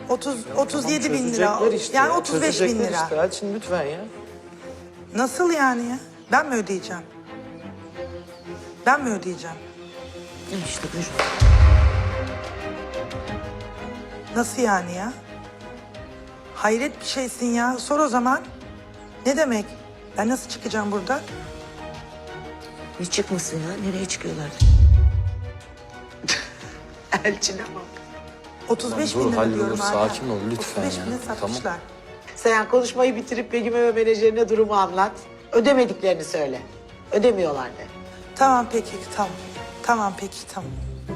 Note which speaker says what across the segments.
Speaker 1: 37 bin lira.
Speaker 2: Çözecekler işte
Speaker 1: Yani
Speaker 2: ya,
Speaker 1: 35 bin
Speaker 2: çözecekler
Speaker 1: lira.
Speaker 2: Işte. Elçin lütfen ya.
Speaker 1: Nasıl yani ya? Ben mi ödeyeceğim? Ben mi ödeyeceğim?
Speaker 3: İşte buyur.
Speaker 1: Nasıl yani ya? Hayret bir şeysin ya. Sor o zaman. Ne demek? Ben nasıl çıkacağım burada?
Speaker 3: Ne çıkmasın ya? Nereye çıkıyorlar?
Speaker 4: Elçin'e bak.
Speaker 1: 35
Speaker 2: Tamam,
Speaker 1: bin
Speaker 2: dur,
Speaker 1: lira
Speaker 2: hallolur,
Speaker 1: diyorum hala.
Speaker 2: sakin ol lütfen
Speaker 1: 35
Speaker 2: ya.
Speaker 1: bine satmışlar.
Speaker 4: Sen konuşmayı bitirip Begüm'e ve menajerine durumu anlat. Ödemediklerini söyle. Ödemiyorlar de.
Speaker 1: Tamam peki tamam. Tamam peki tamam.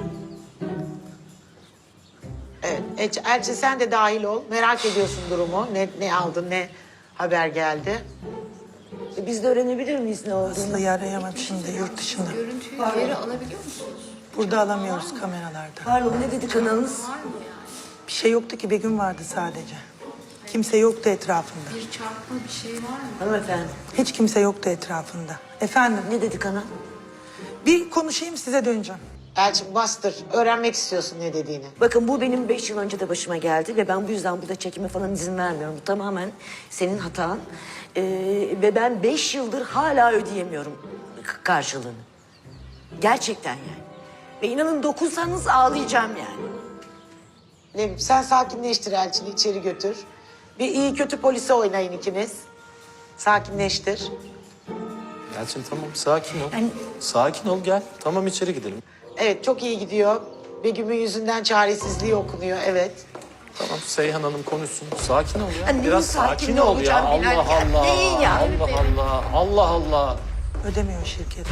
Speaker 4: Evet. Elçin sen de dahil ol. Merak ediyorsun durumu. Ne aldın, ne haber geldi.
Speaker 3: Biz de öğrenebilir miyiz ne olduğunu?
Speaker 1: Aslı'yı arayamam şimdi yurt dışında.
Speaker 5: Görüntüyü geri alabiliyor musunuz?
Speaker 1: Burada alamıyoruz kameralarda.
Speaker 3: Pardon ne dedi kanalınız?
Speaker 1: Bir şey yoktu ki Begüm vardı sadece. Kimse yoktu etrafında.
Speaker 5: Bir çarpma bir şey var mı?
Speaker 3: Hanımefendi.
Speaker 1: Hiç kimse yoktu etrafında. Efendim
Speaker 3: Ne dedi kanal?
Speaker 1: bir konuşayım size döneceğim.
Speaker 4: Elçin bastır. Öğrenmek istiyorsun ne dediğini.
Speaker 3: Bakın bu benim 5 yıl önce de başıma geldi ve ben bu yüzden burada çekime falan izin vermiyorum. Bu tamamen senin hatan. Ve ben 5 yıldır hala ödeyemiyorum karşılığını. Gerçekten yani. Ve inanın dokunsanız ağlayacağım yani.
Speaker 4: Lebip sen sakinleştir Elçin'i içeri götür. Bir iyi kötü polise oynayın ikiniz. Sakinleştir.
Speaker 2: Elçin tamam sakin ol.
Speaker 3: Yani-
Speaker 2: Sakin ol gel. Tamam içeri gidelim.
Speaker 4: Evet çok iyi gidiyor. Begüm'ün yüzünden çaresizliği okunuyor evet.
Speaker 2: Tamam Seyhan Hanım konuşsun. Sakin ol ya.
Speaker 3: Hani
Speaker 2: Biraz
Speaker 3: neyin
Speaker 2: sakin
Speaker 3: sakin
Speaker 2: ol ya.
Speaker 3: olacağım
Speaker 2: Allah
Speaker 3: bilerken?
Speaker 2: Allah.
Speaker 3: Neyin ya?
Speaker 2: Allah Allah. Allah Allah.
Speaker 1: Ödemiyor şirket.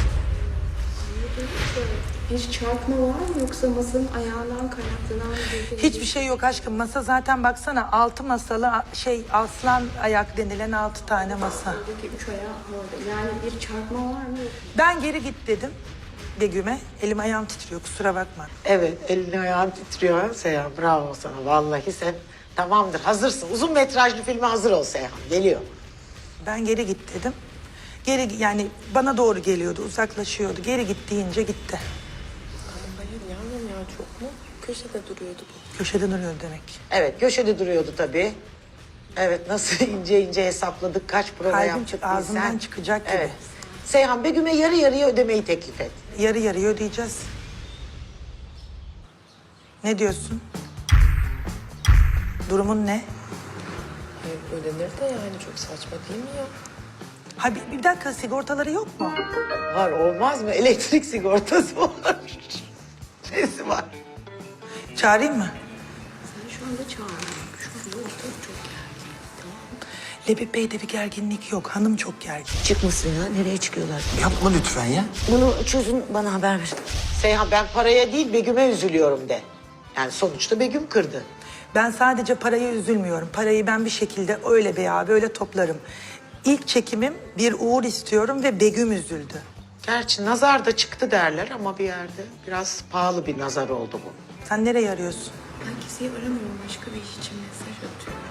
Speaker 5: Bir çarpma var mı yoksa masanın ayağından kaynaklanan bir...
Speaker 1: Hiçbir şey yok aşkım. Masa zaten baksana 6 masalı aslan ayak denilen 6 tane masa.
Speaker 5: Buradaki 3 ayağı orada. Yani bir çarpma var mı?
Speaker 1: Ben geri git dedim Begüm'e. Elim ayağım titriyor kusura bakma.
Speaker 4: Evet elini ayağın titriyor Seyhan. Bravo sana vallahi sen tamamdır hazırsın. Uzun metrajlı filme hazır ol Seyhan. Geliyor.
Speaker 1: Ben geri git dedim. Geri yani bana doğru geliyordu uzaklaşıyordu. Geri git deyince gitti.
Speaker 6: Hayır yavrum ya çok mu? Köşede duruyordu bu.
Speaker 1: Köşede duruyor demek.
Speaker 4: Evet köşede duruyordu tabii. Evet nasıl ince ince hesapladık kaç prova
Speaker 1: Kalbim
Speaker 4: yaptık
Speaker 1: ağzımdan
Speaker 4: bilsen.
Speaker 1: çıkacak gibi.
Speaker 4: Evet. Seyhan Begüm'e yarı yarıya ödemeyi teklif et.
Speaker 1: Yarı yarıya ödeyeceğiz. Ne diyorsun? Durumun ne?
Speaker 6: Hayır ödenir de yani çok saçma değil mi ya?
Speaker 1: Ha bir dakika sigortaları yok mu?
Speaker 4: Var olmaz mı? Elektrik sigortası var. Nesi var?
Speaker 1: Çağırayım mı?
Speaker 5: Sen şu anda çağırıyorsun. Şu anda ortalık çok gergin. Tamam mı?
Speaker 1: Lebip Bey'de bir gerginlik yok. Hanım çok gergin.
Speaker 3: Çıkmasın ya. Nereye çıkıyorlar?
Speaker 2: Yapma lütfen ya.
Speaker 3: Bunu çözün bana haber verin.
Speaker 4: Seyhan ben paraya değil Begüm'e üzülüyorum de. Yani sonuçta Begüm kırdı.
Speaker 1: Ben sadece paraya üzülmüyorum. Parayı ben bir şekilde öyle veya böyle toplarım. İlk çekimim bir uğur istiyorum ve Begüm üzüldü.
Speaker 4: Gerçi nazar da çıktı derler ama bir yerde biraz pahalı bir nazar oldu bu.
Speaker 1: Sen nereye arıyorsun?
Speaker 5: Ben kimseyi aramıyorum. Başka bir iş için mesaj atıyorum.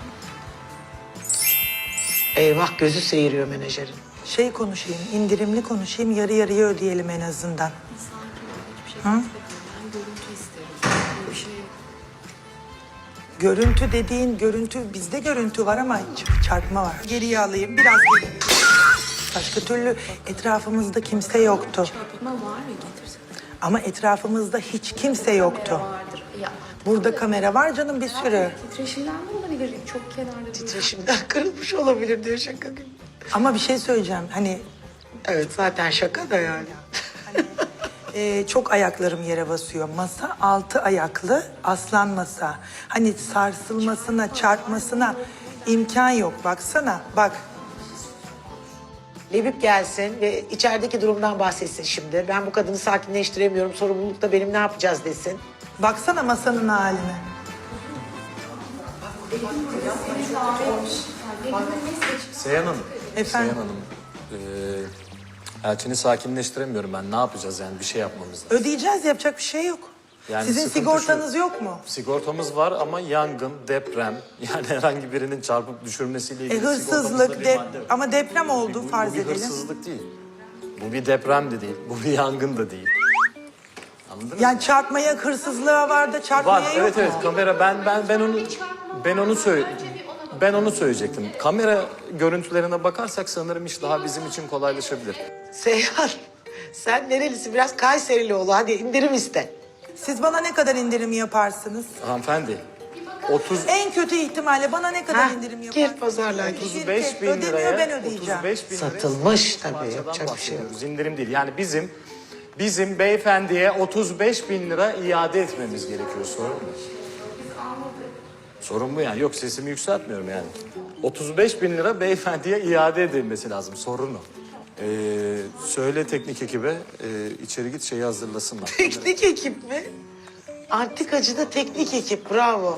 Speaker 4: Eyvah gözü seyiriyor menajerin.
Speaker 1: Şey konuşayım, indirimli konuşayım, yarı yarıya ödeyelim en azından.
Speaker 5: Sakin ol. Hiçbir şey istemem. Ben görüntü isterim. Bir şey yok.
Speaker 1: Görüntü dediğin görüntü, bizde görüntü var ama çarpma var. Geriye alayım, biraz geri. Başka türlü etrafımızda kimse yoktu.
Speaker 5: Çarpma var ya getirsene.
Speaker 1: Ama etrafımızda hiç kimse yoktu.
Speaker 5: Vardır. Ya.
Speaker 1: Burada kamera var canım bir sürü.
Speaker 5: Titreşimden de olabilir. Çok kenarda bir...
Speaker 4: Titreşimden kırılmış olabilir diyor şaka gibi.
Speaker 1: Ama bir şey söyleyeceğim, hani
Speaker 4: Evet zaten şaka da yani.
Speaker 1: çok ayaklarım yere basıyor. Masa 6 ayaklı aslan masa. Hani sarsılmasına, çarpmasına imkan yok. Baksana, bak.
Speaker 4: Lebip gelsin ve içerideki durumdan bahsetsin şimdi. Ben bu kadını sakinleştiremiyorum. Sorumluluk da benim ne yapacağız desin.
Speaker 1: Baksana masanın haline.
Speaker 2: Seyhan Hanım.
Speaker 1: Efendim?
Speaker 2: Seyhan Hanım. Elçin'i sakinleştiremiyorum ben. Ne yapacağız yani bir şey yapmamız lazım.
Speaker 1: Ödeyeceğiz, yapacak bir şey yok.
Speaker 2: Yani
Speaker 1: Sizin
Speaker 2: sıkıntı
Speaker 1: sigortanız
Speaker 2: şu,
Speaker 1: yok mu?
Speaker 2: Sigortamız var ama yangın, deprem yani herhangi birinin çarpıp düşürmesiyle ilgili
Speaker 1: Hırsızlık,
Speaker 2: sigortamızda bir madde yok.
Speaker 1: ama deprem oldu farz
Speaker 2: Bu bir
Speaker 1: edelim.
Speaker 2: hırsızlık değil. Bu bir deprem de değil. Bu bir yangın da değil. Anladınız mı?
Speaker 1: Yani çarpmaya, hırsızlığa var da çarpmaya
Speaker 2: Var
Speaker 1: yok
Speaker 2: evet
Speaker 1: mu?
Speaker 2: evet kamera ben onu...
Speaker 5: Çarpma
Speaker 2: Ben onu söyleyecektim. Kamera görüntülerine bakarsak sanırım iş daha bizim için kolaylaşabilir.
Speaker 4: Seyhan, sen nerelisin? Biraz Kayserili ol. Hadi indirim iste.
Speaker 1: Siz bana ne kadar indirim yaparsınız?
Speaker 2: Hanımefendi, 30
Speaker 1: En kötü ihtimalle bana ne kadar
Speaker 4: Ha,
Speaker 1: indirim yaparsınız?
Speaker 4: gir pazarlığa.
Speaker 2: 35 bin
Speaker 1: Ödemiyor,
Speaker 2: liraya
Speaker 1: ben ödeyeceğim.
Speaker 2: 35 bin liraya
Speaker 4: Satılmış tabii,
Speaker 2: parçadan
Speaker 4: yapacak bir şey yok.
Speaker 2: bahsediyoruz. İndirim değil. Yani bizim beyefendiye 35 bin lira iade etmemiz gerekiyor. Sorun mu? Sorun bu yani. Yok, sesimi yükseltmiyorum yani. 35 bin lira beyefendiye iade edilmesi lazım. Sorun o. Söyle teknik ekibe içeri git şeyi hazırlasınlar.
Speaker 4: Teknik ekip mi? Antikacıda teknik ekip, bravo.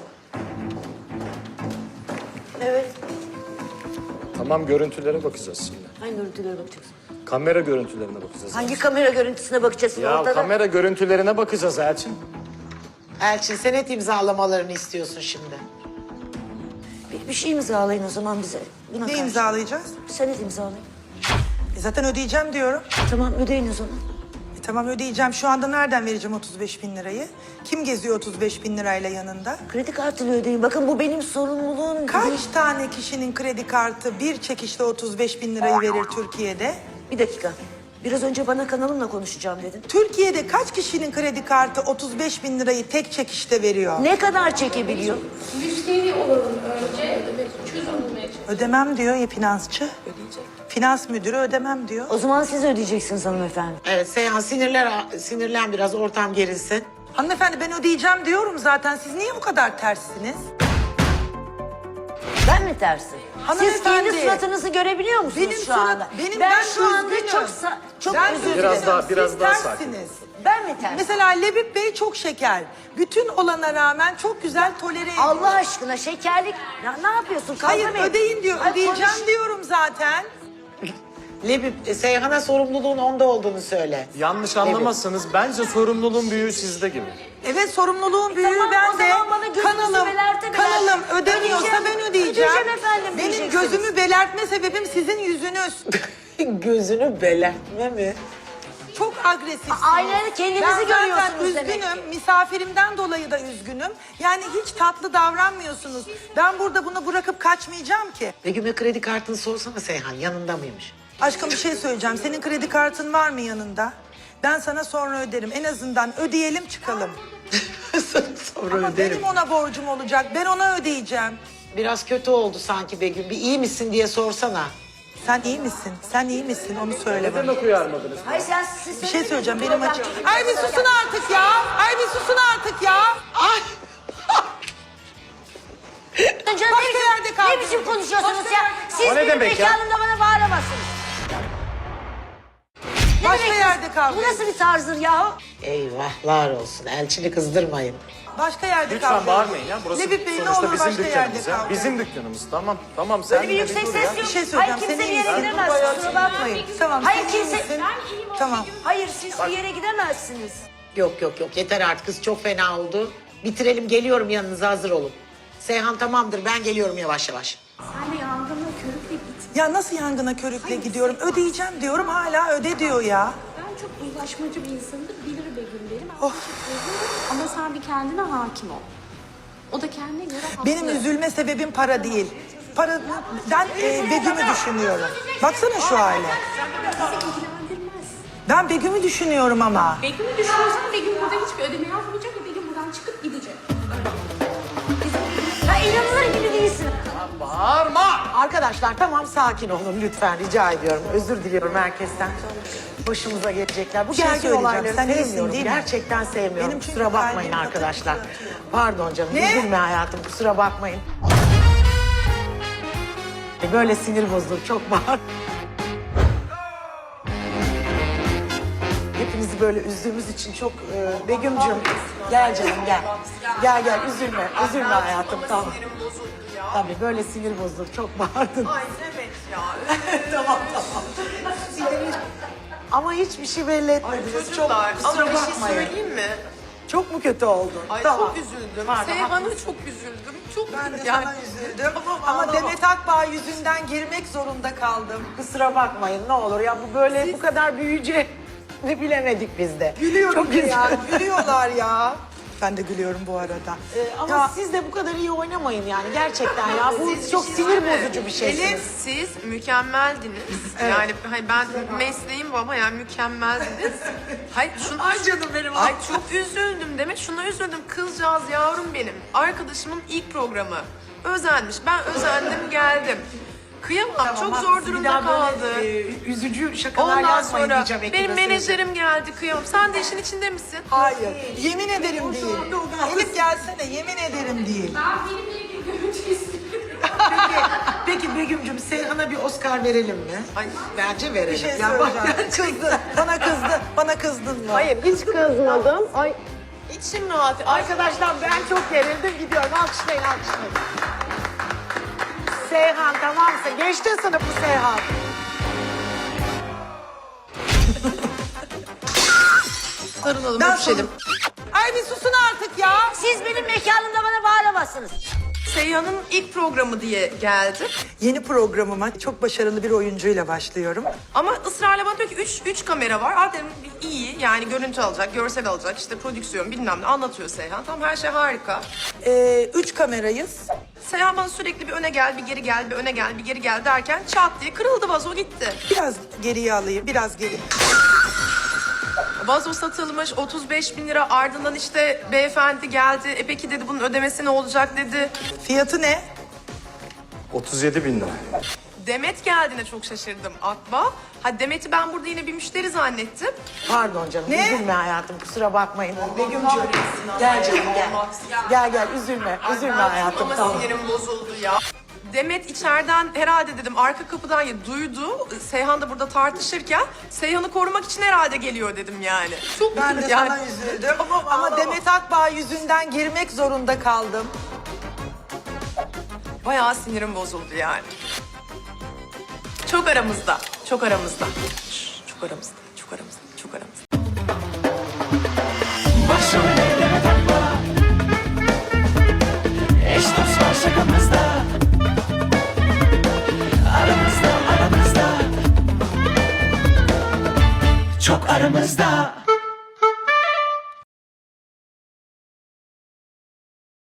Speaker 3: Evet.
Speaker 2: Tamam, görüntülere bakacağız şimdi.
Speaker 3: Hangi görüntülere bakacaksın?
Speaker 2: Kamera görüntülerine bakacağız.
Speaker 3: Hangi kamera görüntüsüne bakacaksın
Speaker 2: Ya
Speaker 3: ortada?
Speaker 2: kamera görüntülerine bakacağız Elçin.
Speaker 4: Elçin, senet imzalamalarını istiyorsun şimdi.
Speaker 3: Bir şey imzalayın o zaman bize. Buna
Speaker 1: Ne
Speaker 3: karşı.
Speaker 1: imzalayacağız?
Speaker 3: Senet imzalayın.
Speaker 1: Zaten ödeyeceğim diyorum.
Speaker 3: Tamam ödeyin o zaman.
Speaker 1: Tamam ödeyeceğim. Şu anda nereden vereceğim 35 bin lirayı? Kim geziyor 35 bin lirayla yanında?
Speaker 3: Kredi kartıyla ödeyin. Bakın bu benim sorumluluğum.
Speaker 1: Kaç tane kişinin kredi kartı bir çekişle 35 bin lirayı verir Türkiye'de?
Speaker 3: Bir dakika. Biraz önce bana kanalımla konuşacağım dedin.
Speaker 1: Türkiye'de kaç kişinin kredi kartı 35 bin lirayı tek çekişte veriyor?
Speaker 3: Ne kadar çekebiliyor?
Speaker 5: Müşteri olalım önce. Çözüm bulmaya çalışalım.
Speaker 1: Ödemem diyor ya finansçı. Finans müdürü ödemem diyor.
Speaker 3: O zaman siz ödeyeceksiniz hanımefendi.
Speaker 4: Evet Seyhan, sinirlen biraz, ortam gerilsin.
Speaker 1: Hanımefendi ben ödeyeceğim diyorum zaten. Siz niye bu kadar terssiniz?
Speaker 3: Ben mi tersim? Siz
Speaker 1: Hanımefendi.
Speaker 3: kendi suratınızı görebiliyor musunuz
Speaker 1: Benim
Speaker 3: şu
Speaker 1: surat-
Speaker 3: anda?
Speaker 1: benim-
Speaker 3: ben
Speaker 1: ben
Speaker 3: şu anda
Speaker 1: üzgünüm.
Speaker 3: çok
Speaker 1: Ben
Speaker 3: özür dilerim.
Speaker 2: Biraz
Speaker 1: Siz
Speaker 2: daha sakin.
Speaker 1: terssiniz.
Speaker 3: Ben mi tersim?
Speaker 1: Mesela Lebip Bey çok şeker. Bütün olana rağmen çok güzel tolere ediyor.
Speaker 3: Allah aşkına şekerlik... Ya ne yapıyorsun? Kavga
Speaker 1: Hayır
Speaker 3: mı ediyorsun?
Speaker 1: ödeyin diyor.
Speaker 3: Ay,
Speaker 1: Ödeyeceğim
Speaker 3: konuş.
Speaker 1: diyorum zaten.
Speaker 4: Lebip, Seyhan'a sorumluluğun onda olduğunu söyle.
Speaker 2: Yanlış anlamazsanız bence sorumluluğun büyüğü sizde gibi.
Speaker 1: Evet sorumluluğun büyüğü
Speaker 3: Tamam, o
Speaker 1: ben de.
Speaker 3: zaman bana gözünüzü belerte
Speaker 1: Kanalım ödemiyorsa
Speaker 3: Ödeyeceğim.
Speaker 1: ben ödeyeceğim.
Speaker 3: Ödeyeceğim efendim
Speaker 1: Benim
Speaker 3: diyeceksiniz.
Speaker 1: gözümü belertme sebebim sizin yüzünüz.
Speaker 4: Gözünü belertme mi?
Speaker 1: Çok agresifsiniz.
Speaker 3: Aynen, kendinizi
Speaker 1: ben zaten
Speaker 3: görüyorsunuz demek
Speaker 1: üzgünüm. Misafirimden dolayı da üzgünüm. Yani hiç tatlı davranmıyorsunuz. Ben burada bunu bırakıp kaçmayacağım ki.
Speaker 4: Begüm'e kredi kartını sorsana Seyhan, yanında mıymış?
Speaker 1: Aşkım bir şey söyleyeceğim. Senin kredi kartın var mı yanında? Ben sana sonra öderim. En azından ödeyelim çıkalım.
Speaker 4: Sonra
Speaker 1: Ama
Speaker 4: öderim.
Speaker 1: benim ona borcum olacak. Ben ona ödeyeceğim.
Speaker 4: Biraz kötü oldu sanki Begüm. Bir iyi misin diye sorsana.
Speaker 1: Sen iyi misin? Sen iyi misin? Onu söyle bana.
Speaker 2: uyarmadınız?
Speaker 3: Hayır siz
Speaker 1: Bir şey söyleyeceğim. Benim
Speaker 3: Problem
Speaker 1: açık.
Speaker 3: değil.
Speaker 1: Ay bir susun artık ya. Ay bir susun artık ya.
Speaker 4: Ay!
Speaker 3: Canım,
Speaker 1: Başka yerde kaldınız.
Speaker 3: Ne biçim konuşuyorsunuz
Speaker 1: Başka
Speaker 3: ya?
Speaker 1: yerde
Speaker 3: Siz
Speaker 2: O ne
Speaker 3: benim
Speaker 2: demek ya?
Speaker 3: mekanımda bana bağıramazsınız. Ne
Speaker 1: Başka
Speaker 3: demek
Speaker 1: yerde
Speaker 3: bu?
Speaker 1: kavga
Speaker 3: Bu nasıl bir tarzdır yahu?
Speaker 4: Eyvahlar olsun. Elçini kızdırmayın.
Speaker 1: Başka yerde
Speaker 2: Lütfen
Speaker 1: kavga
Speaker 2: bağırmayın ya. Burası
Speaker 1: Lebip Bey ne
Speaker 2: sonuçta
Speaker 1: olur
Speaker 2: bizim
Speaker 1: başka yerde
Speaker 2: dükkanımız ya.
Speaker 1: kavga.
Speaker 2: Bizim dükkanımız. Tamam sen
Speaker 3: Böyle bir
Speaker 2: de
Speaker 3: yüksek
Speaker 2: dur
Speaker 3: ses
Speaker 2: ya.
Speaker 3: yok.
Speaker 1: Bir şey
Speaker 3: Hayır
Speaker 1: söyleyeceğim.
Speaker 3: kimse
Speaker 1: Sen
Speaker 3: bir
Speaker 1: iyi
Speaker 3: yere
Speaker 1: misin?
Speaker 3: gidemez. Kusura bakmayın.
Speaker 1: Tamam.
Speaker 3: Hayır
Speaker 1: sen iyi
Speaker 3: kimse...
Speaker 1: misin? Tamam.
Speaker 3: Hayır siz bir yere gidemezsiniz.
Speaker 4: Yok yeter artık, kız çok fena oldu. Bitirelim, geliyorum yanınıza, hazır olun. Seyhan tamamdır, ben geliyorum yavaş yavaş.
Speaker 5: Sen de yangınla körükle git.
Speaker 1: Ya nasıl yangına körükle gidiyorum? Ödeyeceğim diyorum hala öde diyor ya.
Speaker 5: Ben çok uzlaşmacı bir insanımdır. Bilir Begüm benim. Ben çok üzülürüm. Ama sen bir kendine hakim ol. O da kendine göre haklı.
Speaker 1: Benim üzülme sebebim para değil. Paradan Begüm'ü düşünüyorum. Baksana şu hale.
Speaker 5: Bizi ilgilendirmez.
Speaker 1: Ben Begüm'ü düşünüyorum ama.
Speaker 5: Begüm'ü düşünüyorsan Begüm burada hiçbir ödeme yapmayacak ve Begüm buradan çıkıp gidecek.
Speaker 3: Ya inanılır gibi değilsin.
Speaker 4: Arkadaşlar tamam, sakin olun lütfen, rica ediyorum. Özür diliyorum herkesten. Başımıza gelecekler. Bu
Speaker 1: şey
Speaker 4: gergin
Speaker 1: söyleyeceğim,
Speaker 4: olayları
Speaker 1: sen iyisin
Speaker 4: sevmiyorum.
Speaker 1: değil mi?
Speaker 4: Gerçekten sevmiyorum.
Speaker 1: Benim çünkü
Speaker 4: kusura bakmayın
Speaker 1: kalbim
Speaker 4: arkadaşlar.
Speaker 1: atıyor.
Speaker 4: Pardon canım,
Speaker 1: Ne?
Speaker 4: üzülme hayatım, kusura bakmayın. Böyle sinir bozulur, çok bağır. Hepinizi böyle üzdüğümüz için çok... Begüm'cüm, gel canım gel. Gel, üzülme hayatım, tamam. Tabii böyle sinir bozulur, çok bağırdın. Ay evet ya. tamam. Ama hiçbir şey belli etmediniz. Çok kusura
Speaker 6: Ama bir şey
Speaker 4: bakmayın.
Speaker 6: söyleyeyim mi?
Speaker 4: Çok mu kötü oldun?
Speaker 6: Ay
Speaker 4: Tamam.
Speaker 6: çok üzüldüm.
Speaker 4: Pardon,
Speaker 6: Seyhan'a çok üzüldüm. Çok
Speaker 1: Ben de
Speaker 6: yani,
Speaker 1: sana üzüldüm.
Speaker 6: Tamam,
Speaker 1: Ama
Speaker 6: ağlama.
Speaker 1: Demet Akbağ yüzünden girmek zorunda kaldım.
Speaker 4: Kusura bakmayın ne olur ya, bu böyle bu kadar büyüyeceğini bilemedik biz de.
Speaker 1: Gülüyorum
Speaker 4: Çok
Speaker 1: ya.
Speaker 4: üzüldüm.
Speaker 1: Gülüyorlar ya. Ben de gülüyorum bu arada.
Speaker 4: Ama
Speaker 1: Ya,
Speaker 4: siz de bu kadar iyi oynamayın yani gerçekten ya. Bu çok sinir bozucu bir şey.
Speaker 6: Elif siz mükemmeldiniz. Yani hani ben mesleğim bu ama yani mükemmeldiniz. Hayır şunu...
Speaker 4: Ay canım benim.
Speaker 6: Ay çok üzüldüm demek. Şuna üzüldüm. Kızcağız yavrum benim. Arkadaşımın ilk programı. Özenmiş. Ben özendim geldim. Kıyamam. Çok zor durumda kaldı.
Speaker 4: Üzücü şakalar
Speaker 6: Ondan
Speaker 4: yazmayın
Speaker 6: sonra
Speaker 4: diyeceğim ekibe
Speaker 6: benim
Speaker 4: söyleyeceğim.
Speaker 6: menajerim geldi. Kıyamam. Sen de işin içinde misin?
Speaker 1: hayır. Yemin ederim değil. Elif gelsene, yemin ederim değil.
Speaker 5: Ben benimle ilgili görüntü istiyorum.
Speaker 4: Peki Begüm'cüm Seyhan'a bir Oscar verelim mi?
Speaker 6: Ay,
Speaker 4: Bence verelim.
Speaker 1: Bir şey
Speaker 4: Ya bak,
Speaker 1: söyleyeceğim. Kızdı. Bana kızdı. Bana kızdın mı?
Speaker 4: Hayır hiç kızmadım. Ay içim rahat. Arkadaşlar ben çok gerildim gidiyorum. Alkışlayın alkışlayın. Seyhan tamamsa geçti sınıfı Seyhan.
Speaker 6: sarılalım,
Speaker 1: Ben
Speaker 6: öpüşelim.
Speaker 1: Ay bir susun artık ya.
Speaker 3: Siz benim mekanımda bana bağıramazsınız.
Speaker 6: Seyhan'ın ilk programı diye geldi.
Speaker 1: Yeni programıma çok başarılı bir oyuncuyla başlıyorum.
Speaker 6: Ama ısrarla bana diyor ki üç kamera var. Aa dedim iyi yani görüntü alacak, görsel alacak, işte prodüksiyon bilmem ne anlatıyor Seyhan. Tamam her şey harika.
Speaker 1: 3 kamerayız.
Speaker 6: Seyhan bana sürekli bir öne gel, bir geri gel, bir öne gel, bir geri gel derken çat diye kırıldı vazo gitti.
Speaker 1: Biraz geriye alayım, biraz geri.
Speaker 6: Vazo satılmış 35 bin lira ardından işte beyefendi geldi. Peki dedi bunun ödemesi ne olacak dedi.
Speaker 1: Fiyatı ne?
Speaker 2: 37 bin lira.
Speaker 6: Demet geldiğine çok şaşırdım akla. Ha Demet'i ben burada yine bir müşteri zannettim.
Speaker 4: Pardon canım
Speaker 1: Ne?
Speaker 4: üzülme hayatım kusura bakmayın. Begüm'cüğüm gel canım gel. Gel üzülme hayatım
Speaker 6: Ama
Speaker 4: tamam.
Speaker 6: sinirim bozuldu ya. Demet içeriden herhalde dedim arka kapıdan ya duydu. Seyhan da burada tartışırken Seyhan'ı korumak için herhalde geliyor dedim yani. Çok
Speaker 1: Ben de
Speaker 6: yani.
Speaker 1: sana üzüldüm. Ama Demet Akbağ yüzünden girmek zorunda kaldım.
Speaker 6: Bayağı sinirim bozuldu yani. Çok aramızda, çok aramızda. Çok aramızda, çok aramızda, çok aramızda.
Speaker 7: Başım elleme takma. Eş dost var şakamızda. Aramızda. Çok aramızda.